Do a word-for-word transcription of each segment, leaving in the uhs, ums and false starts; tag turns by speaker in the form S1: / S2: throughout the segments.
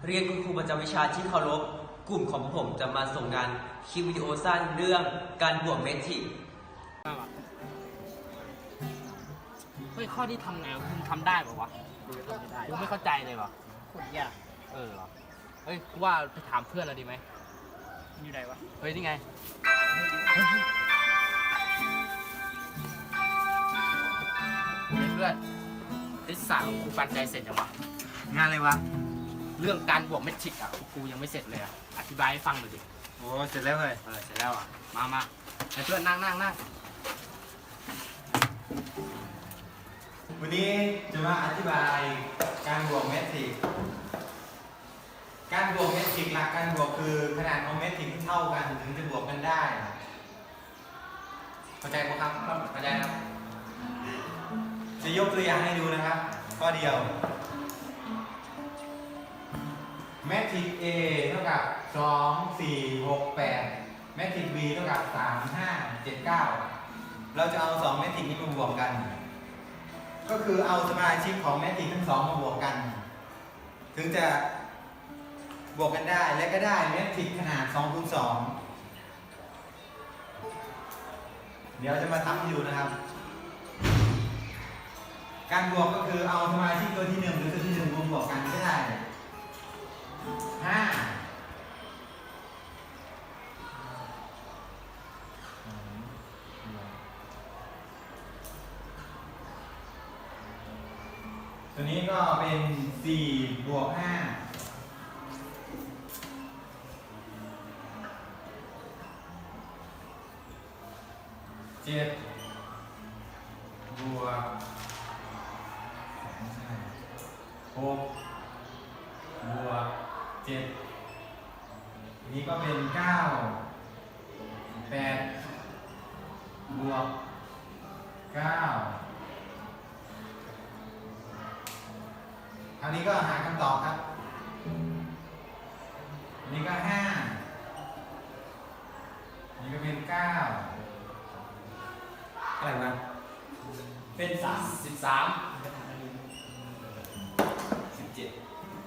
S1: เรียนคุณครูประจำวิชาที่เคารพกลุ่มของผมจะมาส่งงานคลิปวิดีโอสั้นเรื่องการบวกเมทริก
S2: เฮ้ยข้อที่ทำไงคุณทำได้ป่าวะกูไม่เข้าใจเลยว่ะโคตรยากเออเหรอเฮ้ยกูว่าไปถามเพื่อนเราดีไหมอยู่ไหนวะเฮ้ยนี่ไงเฮ้ยเพื่อนไอ้สาวกูปันใจเสร็จยังวะ
S3: งานอะไรวะ
S2: เรื่องการบวกเมทริกอ่ะกูยังไม่เสร็จเลยอ่ะอธิบายให้ฟังหน่อยดิ
S3: โอ้เสร็จแล้วเลย
S2: เออเสร็จแล้วอ่ะมามาให้เพื่อนนั่งนั่งนั่ง
S3: วันนี้จะมาอธิบายการบวกเมทริกการบวกเมทริกหลักการบวกคือขนาดของเมทริกที่เท่ากันถึงจะบวกกันได้เข้าใจไหมครับเข้าใจครับจะยกตัวอย่างให้ดูนะครับข้อเดียวเมทริก A เท่ากับสอง สี่ หก แปดเมทริก B เท่ากับสาม ห้า เจ็ด เก้าเราจะเอาสองเมทริกนี้มาบวกกันก็คือเอาสมาชิกของเมทริกทั้งสองมาบวกกันถึงจะบวกกันได้และก็ได้เมทริกขนาดสองคูณสองเดี๋ยวจะมาทำให้ดูนะครับการบวกก็คือเอาสมาชิกตัวที่หนึ่งหรือตัวที่หนึ่งรวมบวกกันก็ได้ห้าตัวนี้ก็เป็นสี่บวกห้าเจ็ดบวกหกบวกเจ็ดอันนี้ก็เป็นเก้าแปดบวกเก้าคราวนี้ก็หาคำตอบครับอันนี้ก็ห้าอันนี้ก็เป็นเก้าอะไรวะเป็นสามสิบสามสิบเจ็ด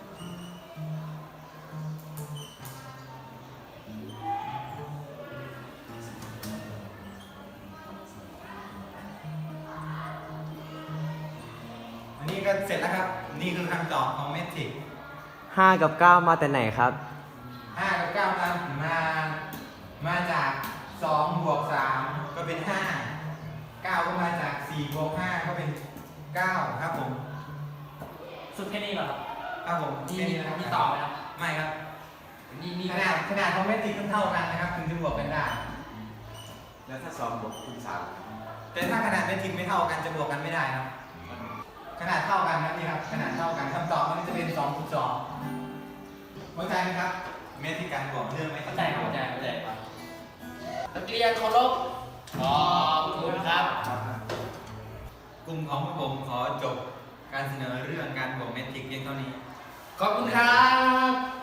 S3: อันนี้ก็เสร็จแล้วครับนี่คือคำตอบของเมทริก
S1: ห้ากับเก้ามาแต่ไหนครับ
S3: ห้ากับเก้ามามามาจากสองบวกสามก็เป็นห้าเก้าก็มาจากสี่บวกห้าก็เป็นเก้าครับผม
S2: สุดแค่นี้เหรอครับ
S3: ครับผม
S2: นี่มีต่อไหมครับ
S3: ไม่ครับ
S2: นี่นี่
S3: ขนาดขนาดของเมทริกเท่ากันนะครับถึงจะบวกกันได้
S4: แล้วถ้าสองบวกคูณสาม
S3: แต่ถ้าขนาดเมทริกไม่เท่ากันจะบวกกันไม่ได้ครับขนาดเท่ากันนะนี่ครับขนาดเท่ากันคำตอบมันจะเป็นสองคูณสองเข้าใจไหมครับเมทริกการบวกเรื่องไม่
S2: เข้าใจเข้าใจเข้าใจครับนักเรียนเคารพขอบคุณครับ
S3: กลุ่มของผมขอจบการเสนอเรื่องการบวกเมทริกเพียงเท่านี้
S2: ขอบคุณครับ